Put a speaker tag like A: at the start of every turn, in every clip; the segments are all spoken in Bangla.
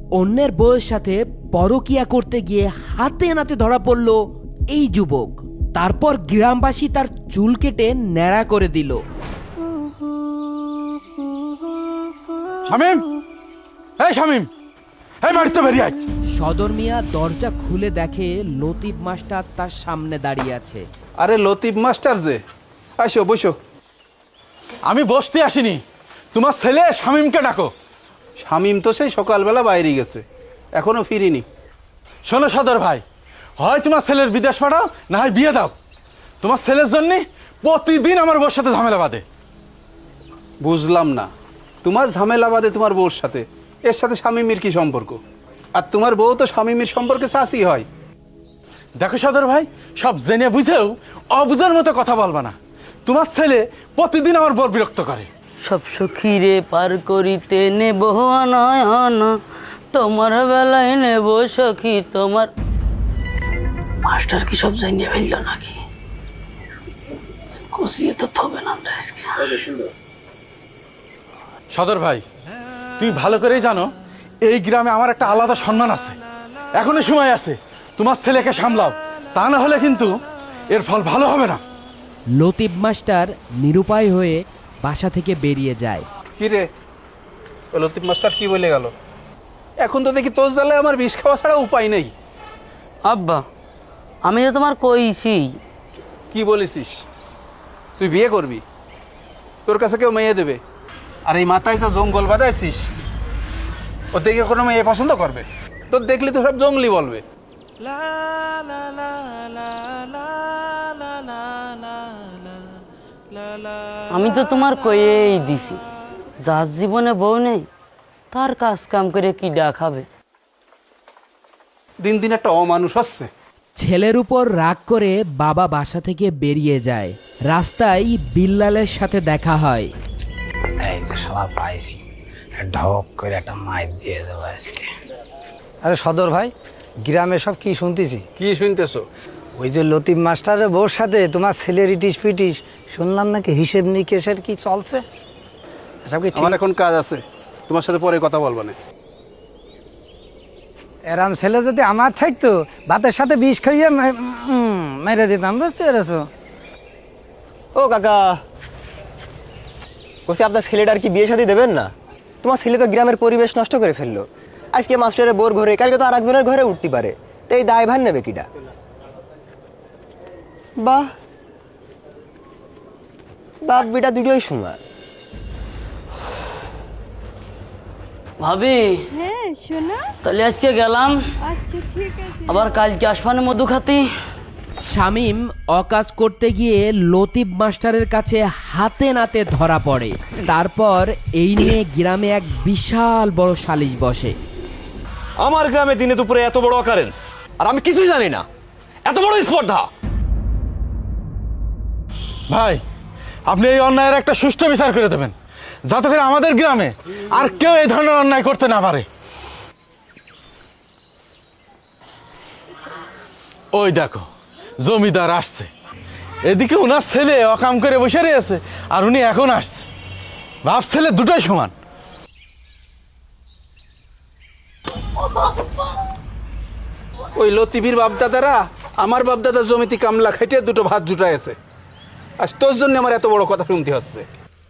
A: অন্যের বউয়ের সাথে পরকিয়া করতে গিয়ে হাতে নাতে ধরা পড়ল এই যুবক। তারপর গ্রামবাসী তার চুল কেটে ন্যাড়া করে দিল।
B: শামিম, এই শামিম, এই বাড়িতে বেরিয়ে আয়।
A: সদর মিয়া দরজা খুলে দেখে লতিফ মাস্টার তার সামনে দাঁড়িয়ে আছে।
C: আরে লতিফ মাস্টার যে, আসো বসো।
B: আমি বসতে আসিনি, তোমার ছেলে শামিমকে ডাকো।
C: শামিম তো সেই সকালবেলা বাইরে গেছে, এখনো ফিরিনি।
B: শোনো সদর ভাই, হয় তোমার ছেলের বিদেশ পাঠাও, না হয় বিয়ে দাও। তোমার ছেলের জন্য প্রতিদিন আমার বউর সাথে ঝামেলা বাঁধে।
C: বুঝলাম না, তোমার ঝামেলা বাদে তোমার বউর সাথে, এর সাথে শামিমের কি সম্পর্ক? আর তোমার বউ তো শামিমের সম্পর্কে চাচি হয়।
B: দেখো সদর ভাই, সব জেনে বুঝেও অবুঝার মতো কথা বলবা না। তোমার ছেলে প্রতিদিন আমার বর বিরক্ত করে।
D: সব সখীরে পার করিতে নেব নয়ন, তোমার বেলায় নেব সখী তোমার। মাস্টার কি সব জানিয়ে ফেলল নাকি? কষিয়ে তো থবে না আমরা আজকে।
B: সদর ভাই, তুমি ভালো করেই জানো এই গ্রামে আমার একটা আলাদা সম্মান আছে। এখনো সময় আছে, তোমার ছেলেকে সামলাও, তা না হলে কিন্তু এর ফল ভালো হবে না।
A: লতিফ মাস্টার নিরুপায় হয়ে বাসা থেকে বেরিয়ে যায়।
C: কি রে, ও লতিফ মাস্টার কি বলে গেল? এখন তো দেখি তোর জ্বালায় আমার বিষ খাওয়া ছাড়া উপায় নেই।
D: আব্বা, আমি তো তোমার কইছি।
C: কি বলেছিস? তুই বিয়ে করবি, তোর কাছে কেউ মেয়ে দেবে? আর এই মাথায় তো জঙ্গল বাঁধাইছিস, ও দেখে কোনো মেয়ে পছন্দ করবে? তোর দেখলি তো সব জঙ্গলি বলবে।
D: আমি তো তোমার কয়েই দিছি, যার জীবনে বউ নেই তার কাজ কাম করে কি দেখাবে।
C: দিন দিন একটা অমানুষ হচ্ছে।
A: ছেলের উপর রাগ করে বাবা বাসা থেকে বেরিয়ে যায়। রাস্তায় বিল্লালের সাথে দেখা হয়।
E: এই যে সবাই পাইছি, ঢক করে একটা মাইর দিয়ে দেবো আজকে।
F: আরে সদর ভাই, গ্রামে সব কি শুনতেছি?
C: কি শুনতেছো?
F: ওই যে লতিফ মাস্টারের বউর সাথে তোমার ছেলের ইটিস পিটিস, শুনলাম নাকি হিসেব নিকেশের কি চলছে। এসব কি ঠিক?
C: আমার এখন কাজ আছে, তোমার সাথে পরে কথা বলবো না।
F: এরাম ছেলে যদি আমার থাকতো, ভাতের সাথে বিষ খাইয়ে মেরে দিতাম, বুঝতে পেরেছো?
G: ও কাকা, বলছি আপনার ছেলেটার কি বিয়ে শাদী দেবেন না? তোমার ছেলে তো গ্রামের পরিবেশ নষ্ট করে ফেললো। আজকে মাস্টারের বোর ঘরে, কালকে তো আর একজনের ঘরে উঠতে পারে, তো এই দায় ভার নেবে কিটা? বাহ, বাপ বেটা দুটোই সমান।
D: ভাবি,
H: হ্যাঁ শোনা।
D: তাহলে আজকে গেলাম,
H: আচ্ছা ঠিক আছে।
D: আবার কালকে আসবানে মধু খাতি।
A: শামীম অকাজ করতে গিয়ে লতিফ মাস্টারের কাছে হাতে নাতে ধরা পড়ে। তারপর এই নিয়ে গ্রামে এক বিশাল বড় সালিশ বসে।
I: আমার গ্রামে দিনে দুপুরে এত বড় অকারেন্স, আর আমি কিছুই জানি না, এত বড় স্পর্ধা।
B: ভাই, আপনি এই অন্যায়ের একটা সুষ্ঠু বিচার করে দেবেন, যাতে করে আমাদের গ্রামে আর কেউ এই ধরনের অন্যায় করতে না পারে। ওই দেখো, জমিদার আসছে। এদিকে উনার ছেলে অকাম করে বসে রয়েছে, আর উনি এখন আসছে। বাপ ছেলে দুটোই সমান।
C: ওই লতিফির বাপদাদারা আমার বাপদাদার জমিতে কামলা খেটে দুটো ভাত জুটাইছে, আর তোর জন্য আমার এত বড় কথা শুনতে হচ্ছে।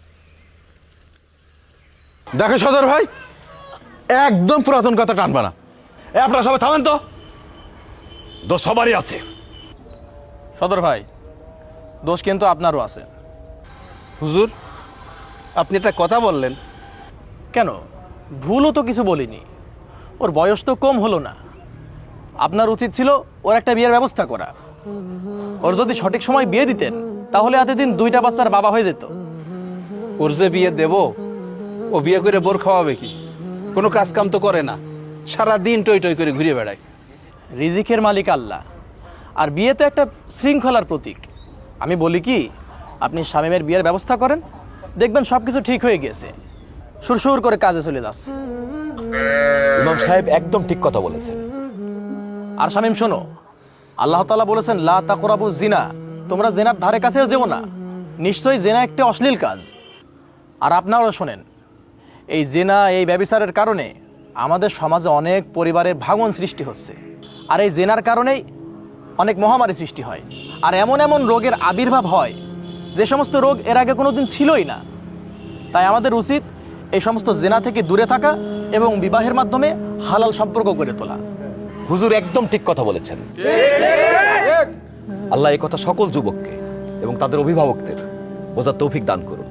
B: দেখো সদর ভাই, একদম পুরাতন কথা টানবা না।
I: আপনারা সবাই থামেন তো, দোষ সবারই আছে।
J: সদর ভাই, দোষ কিন্তু আপনারও আছে।
C: হুজুর, আপনি একটা কথা বললেন।
J: কেন, ভুলও তো কিছু বলিনি। ওর বয়স তো কম হলো না। আপনার উচিত ছিল ওর একটা বিয়ের ব্যবস্থা করা। ওর যদি সঠিক সময় বিয়ে দিতেন, তাহলে এতদিন দুইটা বাচ্চার বাবা হয়ে যেত।
C: ওর যে বিয়ে দেব, ও বিয়ে করে বোর খাওয়াবে কি? কোনো কাজ কাম তো করে না, সারা দিন টই টই করে ঘুরে বেড়ায়।
J: রিজিকের মালিক আল্লাহ, আর বিয়ে তো একটা শৃঙ্খলার প্রতীক। আমি বলি কি, আপনি শামীমের বিয়ের ব্যবস্থা করেন, দেখবেন সব কিছু ঠিক হয়ে গেছে, সুরসুর করে কাজে চলে যাচ্ছে।
I: ইমাম সাহেব একদম ঠিক কথা বলেছেন।
J: আর শামীম শোনো, আল্লাহ তাআলা বলেছেন লা তাকরাবু জিনা, তোমরা জেনার ধারে কাছেও যেও না। নিশ্চয়ই জেনা একটি অশ্লীল কাজ। আর আপনারাও শোনেন, এই জেনা, এই ব্যভিচারের কারণে আমাদের সমাজে অনেক পরিবারের ভাঙন সৃষ্টি হচ্ছে, আর এই জেনার কারণেই অনেক মহামারী সৃষ্টি হয়, আর এমন এমন রোগের আবির্ভাব হয় যে সমস্ত রোগ এর আগে কোনোদিন ছিলই না। তাই আমাদের উচিত এই সমস্ত জেনা থেকে দূরে থাকা এবং বিবাহের মাধ্যমে হালাল সম্পর্ক গড়ে তোলা।
I: হুজুর একদম ঠিক কথা বলেছেন। আল্লাহ এই কথা সকল যুবককে এবং তাদের অভিভাবকদের বোঝার তৌফিক দান করুন।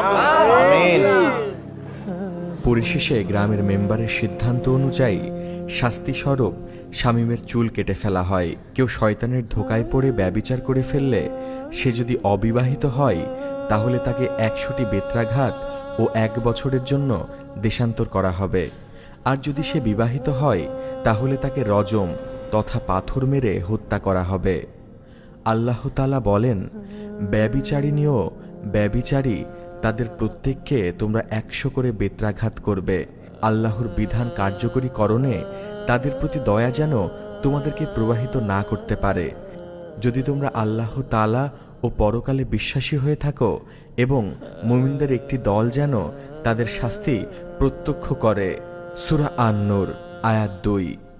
K: পরিশেষে গ্রামের মেম্বারের সিদ্ধান্ত অনুযায়ী শাস্তিস্বরূপ শামীমের চুল কেটে ফেলা হয়। কেউ শয়তানের ধোকায় পড়ে ব্যভিচার করে ফেললে সে যদি অবিবাহিত হয় তাহলে তাকে 100টি বেত্রাঘাত ও 1 বছরের জন্য দেশান্তর করা হবে। আর যদি সে বিবাহিত হয় তাহলে তাকে রজম তথা পাথর মেরে হত্যা করা হবে। আল্লাহ তাআলা বলেন, ব্যভিচারিণী ও ব্যভিচারী তাদের প্রত্যেককে তোমরা 100 করে বেত্রাঘাত করবে। আল্লাহর বিধান কার্যকরীকরণে তাদের প্রতি দয়া যেন তোমাদেরকে প্রবাহিত না করতে পারে। যদি তোমরা আল্লাহ তাআলা ও পরকালে বিশ্বাসী হয়ে থাকো এবং মুমিনদের একটি দল যেন তাদের শাস্তি প্রত্যক্ষ করে। সূরা আন-নূর আয়াত 2।